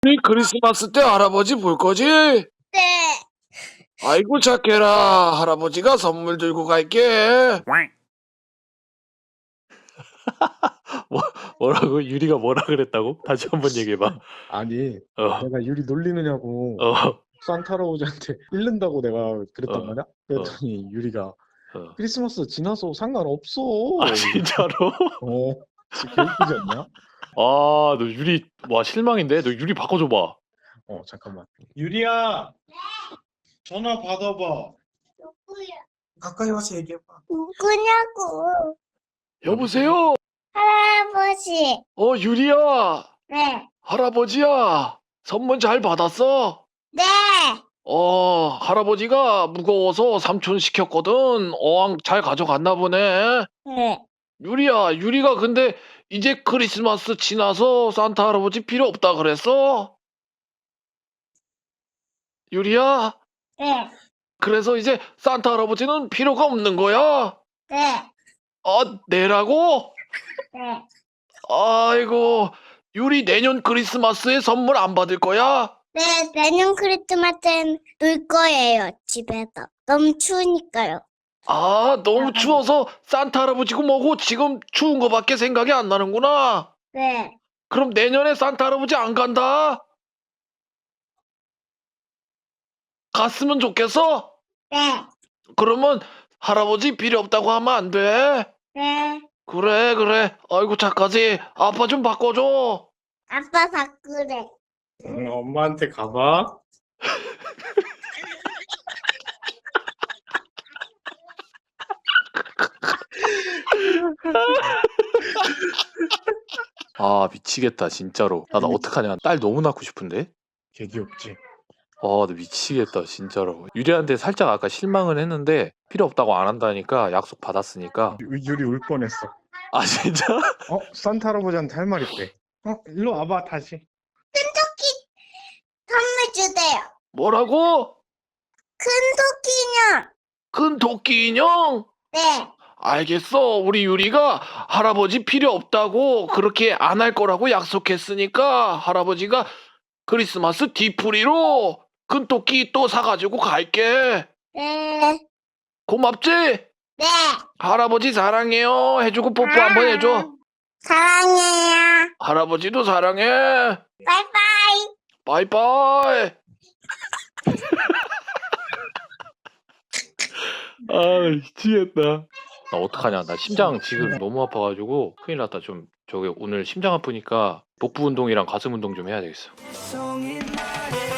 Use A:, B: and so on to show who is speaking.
A: 우리 크리스마스 때 할아버지 볼 거지?
B: 네.
A: 아이고 착해라. 할아버지가 선물 들고 갈게.
C: 뭐라고? 유리가 뭐라 그랬다고? 다시 한번 얘기해봐.
D: 아니
C: 어,
D: 내가 유리 놀리느냐고
C: 어,
D: 산타 할아버지한테 잃는다고 내가 그랬단
C: 어,
D: 말이야. 그랬더니 유리가
C: 어.
D: 크리스마스 지나서 상관없어.
C: 아, 진짜로?
D: 어, 진짜 개웃기지 않냐?
C: 아, 너 유리, 와, 실망인데? 너 유리 바꿔줘봐.
D: 잠깐만.
E: 유리야, 전화 받아봐.
B: 누구야?
E: 가까이 와서 얘기해봐.
B: 누구냐고.
C: 여보세요?
B: 할아버지.
A: 유리야.
B: 네.
A: 할아버지야. 선물 잘 받았어?
B: 네.
A: 할아버지가 무거워서 삼촌 시켰거든. 어항 잘 가져갔나 보네.
B: 네.
A: 유리야, 유리가 근데 이제 크리스마스 지나서 산타 할아버지 필요 없다 그랬어? 유리야,
B: 네.
A: 그래서 이제 산타 할아버지는 필요가 없는 거야?
B: 네.
A: 내라고?
B: 네.
A: 아이고, 유리 내년 크리스마스에 선물 안 받을 거야?
B: 네. 내년 크리스마스엔 놀 거예요. 집에서. 너무 추우니까요.
A: 너무 추워서 산타 할아버지고 뭐고 지금 추운 거밖에 생각이 안 나는구나.
B: 네.
A: 그럼 내년에 산타 할아버지 안 간다? 갔으면 좋겠어?
B: 네.
A: 그러면 할아버지 필요 없다고 하면 안 돼.
B: 네.
A: 그래, 그래. 아이고, 착하지. 아빠 좀 바꿔줘.
B: 아빠 바꾸래.
D: 엄마한테 가봐.
C: 아, 미치겠다, 진짜로. 나 어떡하냐. 딸 너무 낳고 싶은데?
D: 개 귀엽지.
C: 나 미치겠다, 진짜로. 유리한테 살짝 아까 실망을 했는데, 필요 없다고 안 한다니까, 약속 받았으니까.
D: 유리 울 뻔했어.
C: 아, 진짜?
D: 산타 할아버지한테 할 말 있대. 일로 와봐 다시.
B: 선물 주세요.
A: 뭐라고?
B: 큰 토끼냐?
A: 큰 토끼 인형?
B: 네.
A: 알겠어. 우리 유리가 할아버지 필요 없다고 그렇게 안 할 거라고 약속했으니까 할아버지가 크리스마스 뒤풀이로 큰 토끼 또 사가지고 갈게.
B: 네.
A: 고맙지?
B: 네.
A: 할아버지 사랑해요. 해주고 뽀뽀 한번 해줘.
B: 사랑해요.
A: 할아버지도 사랑해.
B: 바이바이.
A: 바이바이.
C: 아, 미치겠다. 나 어떡하냐. 나 심장 지금 너무 아파가지고 큰일 났다. 저기 오늘 심장 아프니까 복부 운동이랑 가슴 운동 좀 해야 되겠어.